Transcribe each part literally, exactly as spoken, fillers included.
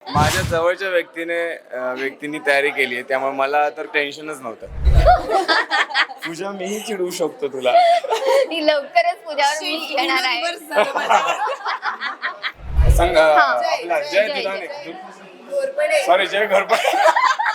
माझ्या जवळच्या व्यक्तीने अं, व्यक्तींनी तयारी केली आहे, त्यामुळे मला तर टेन्शनच नव्हतं. पूजा मीही चिडवू शकतो तुला. ही लवकरच पूजावर मी येणार आहे. सांग अं, आपला जय जय, दुधाणे जय. सॉरी जय घोरपडे.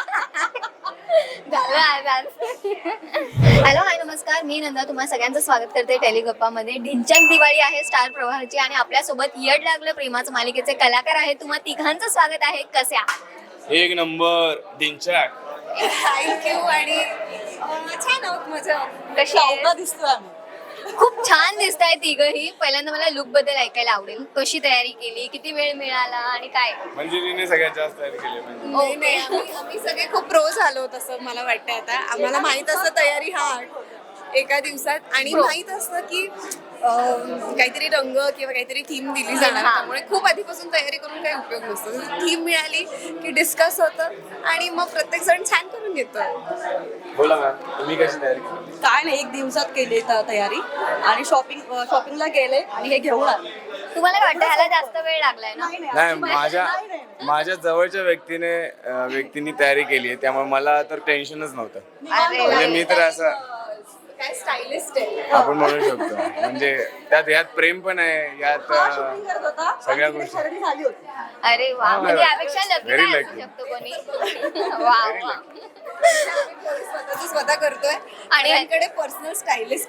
झालं आज आज. हॅलो हाय नमस्कार, मी नंदा तुम्हा सगळ्यांचं स्वागत करते टेलिगप्पामध्ये. ढिंच्याक दिवाळी आहे स्टार प्रवाहाची आणि आपल्यासोबत येड लागलं प्रेमाचं मालिकेचे कलाकार आहेत. तुम्हा तिघांचं स्वागत आहे. कसे आहात? एक नंबर ढिंच्याक. थँक्यू. आणि अं, छान आहोत, मजा कशी आहे? सावका दिसतोय आम्ही. खूप छान दिसत आहे तिघही. पहिल्यांदा मला लुक बद्दल ऐकायला आवडेल. कशी तयारी केली, किती वेळ मिळाला आणि काय? म्हणजे तिने सगळ्यात जास्त तयारी केली म्हणजे. नाही नाही, आम्ही आम्ही सगळे खूप प्रो झालो तसं मला वाटतं. आता आम्हाला माहित असतं तयारी हा एका दिवसात, आणि Pro. माहित असतं की अं, काहीतरी रंग किंवा काहीतरी थीम दिली जाणार, हा. त्यामुळे खूप आधीपासून तयारी करून काही उपयोग नसतो. थीम मिळाली की डिस्कस होतं आणि मग प्रत्येक जण छान करून घेतो. बोला मॅम, तुम्ही कशी तयारी केली? काय नाही, एक दिवसात केली त- तयारी आणि शॉपिंग शॉपिंगला गेले आणि हे घेऊन आले. तुम्हाला काय वाटतं ह्याला जास्त वेळ लागलाय ना? नाही, माझ्या माझ्या जवळच्या व्यक्तीने अं, व्यक्तींनी तयारी केली आहे, त्यामुळे मला तर टेन्शनच नव्हतं. अरे म्हणजे मी तर असं काय स्टायलिस्ट आहे. आपण म्हणू शकतो. म्हणजे त्यात यात प्रेम पण आहे, यात हा अं, शॉपिंग करत होता सगळ्या आणि गोष्टी. इथे खरेदी झाली होती. अरे वा, हा, म्हणजे यापेक्षा लकी very काय असू lucky. शकतो कोणी? वा वा. स्वतःच स्वतः करतोय आणि यांकडे पर्सनल स्टायलिस्ट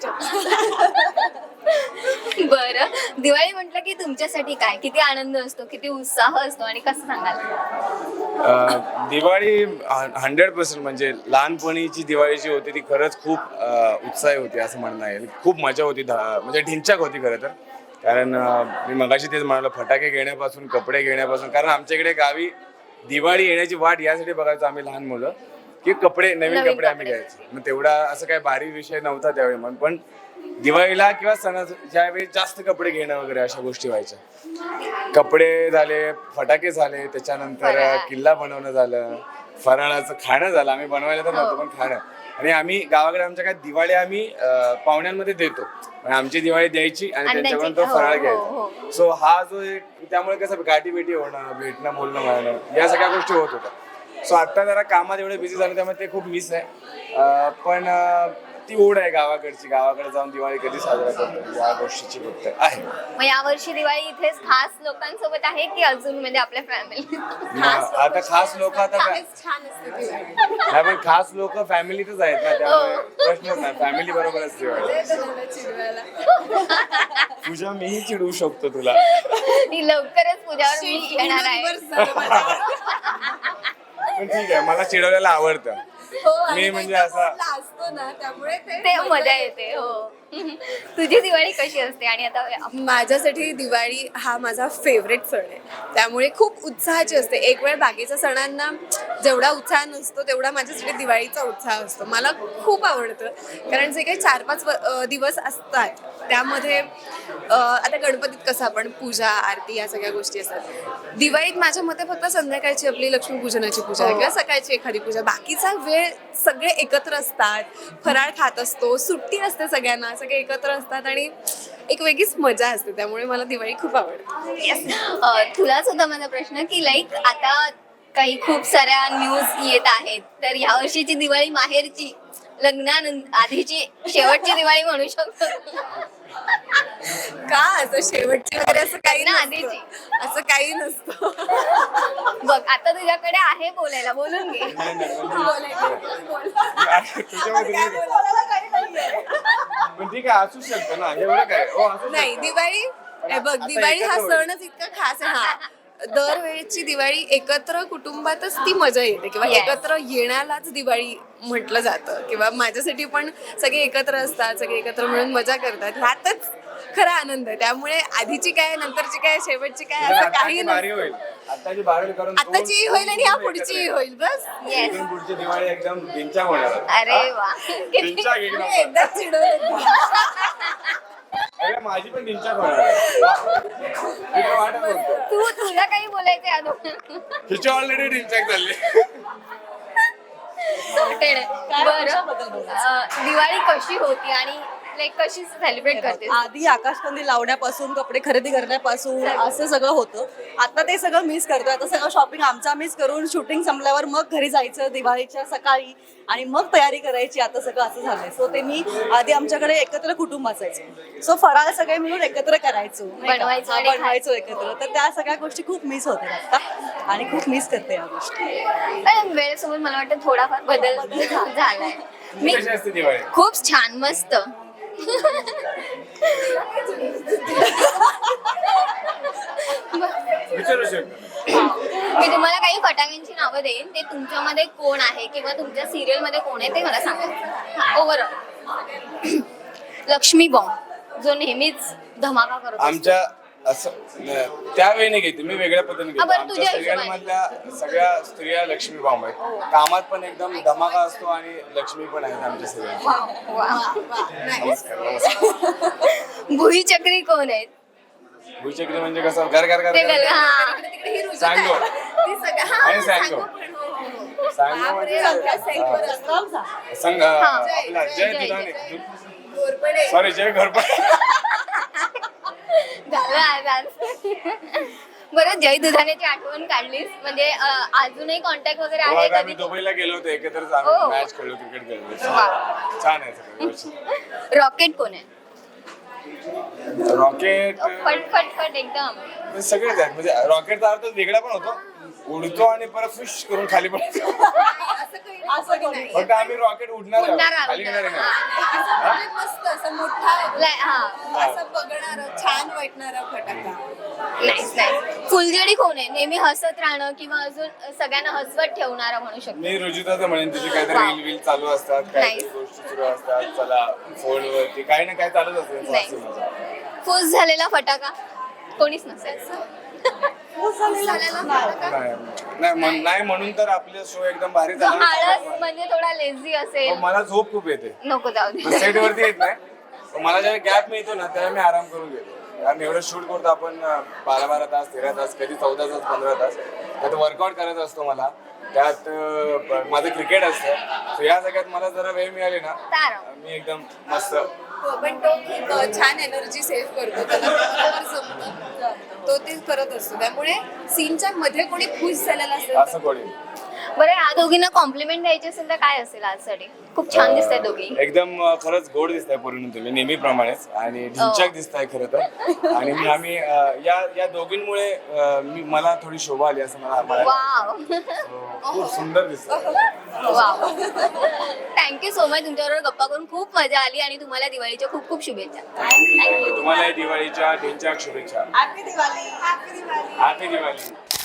बरं, दिवाळी म्हटलं की तुमच्यासाठी काय, किती आनंद असतो, किती उत्साह असतो आणि कसं सांगाल? अं, दिवाळी हंड्रेड पर्सेंट म्हणजे लहानपणीची दिवाळी जी होती ती खरंच खूप अं, उत्साही होती असं म्हणणं येईल. खूप मजा होती, धा- म्हणजे ढिंच्याक होती खरं तर. कारण अं, मी मगाशी तेच म्हणालो, फटाके घेण्यापासून कपडे घेण्यापासून. कारण आमच्या इकडे गावी दिवाळी येण्याची वाट यासाठी बघायचो आम्ही लहान मुलं, की कपडे नवीन नवीन कपडे आम्ही कपडे. घ्यायचो. मग तेवढा असं काही भारी विषय नव्हता त्यावेळी. मग पण दिवाळीला किंवा सणाच्या ज्यावेळी जास्त कपडे घेणं वगैरे अशा गोष्टी व्हायच्या. कपडे झाले, फटाके झाले, त्याच्यानंतर फराळ. किल्ला बनवणं झालं, फराळाचं खाणं झालं. आम्ही बनवायला तर नव्हतं, पण खाणं. आणि आम्ही गावाकडे आमच्या काय दिवाळी आम्ही अं, पाहुण्यांमध्ये देतो. म्हणजे आमची दिवाळी द्यायची आणि आणि त्यांच्याकडून त्यांची- तो फराळ हो, हो, घ्यायचा. सो हा जो एक, त्यामुळे कसं गाठी भेटी होणं, भेटणं, बोलणं, म्हणणं, या सगळ्या गोष्टी होत होत्या. सो आता जरा कामात एवढे बिझी झाले, त्यामुळे ते खूप मिस आहे. अं, पण अं, ती ओढ आहे गावाकडची. गावाकडे जाऊन दिवाळी कधी साजरा करतो या गोष्टीची फक्त आहे. मग यावर्षी दिवाळी इथेच खास लोकांसोबत आहे की अजून म्हणजे आपल्या फॅमिली? मग आता खास लोक आता काय- छान असते दिवाळी. नाही, पण खास लोक फॅमिलीतच आहेत ना, त्यामुळे प्रश्नच नाही. फॅमिली बरोबरच दिवाळी. येतं मला चिडवायला. पूजा मीही चिडवू शकतो तुला. ही लवकरच पूजावर मी येणार आहे. पूर्ण दिवस झालं माझ्यावर. पण ठीक आहे, मला चिडवलेलं आवडतं. हो, आणि मी म्हणजे एकदा असा- बोलला असतो ना, त्यामुळे ते ते मजा येते. हो. तुझी दिवाळी कशी असते? आणि आता माझ्यासाठी दिवाळी हा माझा फेवरेट सण आहे, त्यामुळे खूप उत्साहाची असते. एक वेळ बाकीच्या सणांना जेवढा उत्साह नसतो तेवढा माझ्यासाठी दिवाळीचा उत्साह असतो. मला खूप आवडतं, कारण जे काही चार पाच व- अं, दिवस असतात त्यामध्ये अं, आता गणपतीत कसं आपण पूजा आरती या सगळ्या गोष्टी असतात. दिवाळीत माझ्या मते फक्त संध्याकाळची आपली लक्ष्मीपूजनाची पूजा किंवा सकाळची एखादी पूजा. बाकीचा वेळ सगळे एकत्र असतात, फराळ खात असतो, सुट्टी असते सगळ्यांना, सगळे एकत्र असतात आणि एक वेगळीच मजा असते. त्यामुळे मला दिवाळी खूप आवडते. Yes. अ, तुलाच होता माझा प्रश्न की लाईक आता काही खूप साऱ्या न्यूज येत आहेत, तर यावर्षीची दिवाळी माहेरची, लग्नानंतर आधीची शेवटची दिवाळी म्हणू शकतो. का असं शेवटची वगैरे असं काही ना, नसतं. आधीची. असं काही नसतं. बघ आता तुझ्याकडे आहे बोलायला, बोलून घे. नाही, नाही, म्हणजे- बोलायचं, बोल. तुझ्यामध्ये काय नाही. बोलायला काही नाहीये. पण ठीक आहे, असू शकतं ना, एवढं काय. हो, असू नाही, शकतं. दिवाळी हे बघ, आता दिवाळी हा एकत्र होईल. सणच इतका खास आहे. हा दरवेळेची दिवाळी एकत्र कुटुंबातच ती मजा येते, किंवा Yes. एकत्र येण्यालाच दिवाळी म्हटलं जातं. किंवा माझ्यासाठी पण सगळे एकत्र असतात, सगळे एकत्र मिळून मजा करतात, ह्यातच खरा आनंद आहे. त्यामुळे आधीची काय, नंतरची काय, शेवटची काय म्हणजे असं आत्ताची काही बारी नसतं. होईल. आत्ताची बारी करून आताची होईल आणि ह्या पुढची होईल, बस. येस. इथून पुढची दिवाळी एकदम ढिंच्याक होणार. अरे वा. किती- ढिंच्याक एक मी नंबर. एकदा चिडवलं. अरे, माझी पण ढिंच्याक होणार आहे. मी तर वाटच बघतो. तू तुला काही बोलायचं आहे अजून? हिची ऑलरेडी ढिंच्याक झाली. Sorted आहे. बरं, कशाबद्दल बोलायचं? अ, दिवाळी कशी होती आणि लाईक कशी सेलिब्रेट करते आधी आकाशकंदील लावण्यापासून कपडे खरेदी करण्यापासून असं सगळं होतं. आता ते सगळं मिस करतोय. आता सगळं शॉपिंग आमचा मिस करून शूटिंग संपल्यावर मग घरी जायचं दिवाळीच्या सकाळी आणि मग तयारी करायची. आता सगळं असं झालंय. सो ते मी आधी आमच्याकडे एकत्र कुटुंब असायचं. सो फराळ सगळे मिळून एकत्र करायचो, नाही का? बनवायचो हा, आणि बनवायचो एकत्र. तर त्या सगळ्या गोष्टी खूप मिस होतात आता आणि खूप मिस करते या गोष्टी. पण वेळेसोबत मला वाटतं थोडाफार बदल झालाय. मी कशी असते दिवाळी? खूप छान मस्त विचारू शकतो. मी तुम्हाला काही फटाक्यांची नावं देईन, ते तुमच्यामध्ये कोण आहे किंवा तुमच्या सिरियल मध्ये कोण आहे ते मला सांगा. ओव्हरऑल लक्ष्मी बॉम्ब जो नेहमीच धमाका करतो. आमच्या असं न- त्यावेळी नाही घेते मी, वेगळ्या पद्धतीने घेतो. हा, बरं, आमच्या तुझ्या सिरियल हिशोबाने. मधल्या सगळ्या स्त्रिया लक्ष्मी बॉम्ब आहेत. कामात पण एकदम धमाका असतो आणि लक्ष्मी पण आहेत आमच्या सिरियल. नमस्कार नमस्कार. भुईचक्री कोण आहेत? भुईचक्री म्हणजे कसं घर घर घर ते गल- घर- हा. सांगो ती सगळं- हा, आणि सांगो सांगो पण, हो, हो, हो. सांगो म्हणजे संघ आपला जय जय, दुधाने जय. घोरपडे. सॉरी जय घरपडे. झालं आज आज. बरं, जय दुधाण्याची आठवण काढलीस म्हणजे अं, अजूनही कॉन्टॅक्ट वगैरे हो, आहे आता आम्ही कधी? दुबईला गेलो होतो एकत्रच हो. आम्ही मॅच खेळलो, क्रिकेट खेळलो. वा. छान आहे सगळं व्यवस्थित. रॉकेट कोण आहे? रॉकेट फट फट फट एकदम. सगळेच आहेत म्हणजे रॉकेटचा अर्थ वेगळा पण होतो, उडतो आणि परत फिश करून खाली पडतो. असं काही असं कोणी नाही. फक्त आम्ही रॉकेट उडणार आहोत, उडणार आहोत. खाली येणार नाही. असं म्हणजे मस्त असं मोठा ला- हा. असं बघणार छान वाटणारा फटाका. Nice nice. फुलझडी कोण आहे? नेहमी हसत राहणं किंवा अजून सगळ्यांना हसवत ठेवणारा म्हणू शकतो. मी रुजुताचं म्हणेन, तिचे काहीतरी रील वील चालू असतात, काहीतरी Nice. गोष्टी सुरू असतात, चला फोनवरती काही ना काही चालूच असते. Nice. फुस झालेला फटाका कोणीच नसेल. झालेला फटाका. नाही नाही म्हण- नाही म्हणून तर आपले शो एकदम भारी जो झाला. आळस म्हणजे थोडा लेझी असेल, पण मला झोप खूप येते, नको जाऊ दे. सेट वरती येत नाही. पण मला जेव्हा गॅप मिळतो ना तेव्हा मी आराम करून घेतो. कारण एवढं शूट करतो आपण अं, बारा बारा तास तेरा तास कधी चौदा तास पंधरा तास त्यात वर्कआउट करत असतो. मला त्यात अं, माझं क्रिकेट असतं. So या सगळ्यात मला जरा वेळ मिळाली ना तारम. मी एकदम मस्त. हो, पण तो खूप अ, छान एनर्जी सेव्ह करतो. त्याला ते बरोबर जमतं. तो ते करत असतो. त्यामुळे सीनच्या मध्ये कोणी खुश झालेला असेल तर असं कोणी बरं, या दोघींना कॉम्प्लिमेंट द्यायची असेल तर काय असेल आजसाठी? खूप छान दिसताय दोघी. एकदम अं, खरंच गोड दिसताय पूर्ण तुम्ही नेहमीप्रमाणेच आणि ढिंच्याक दिसताय खरं तर. आणि मी आम्ही अं, या या दोघींमुळे अं, मी मला थोडी शोभा आली असं मला मला वाव. So, खूप सुंदर दिसतं. वाव. Thank you so much. तुमच्याबरोबर गप्पा करून खूप मजा आली आणि तुम्हाला दिवाळीच्या खूप खूप शुभेच्छा. थँक्यू. तुम्हाला दिवाळीच्या ढिंच्याक शुभेच्छा. Happy Diwali. Happy Diwali. Happy Diwali.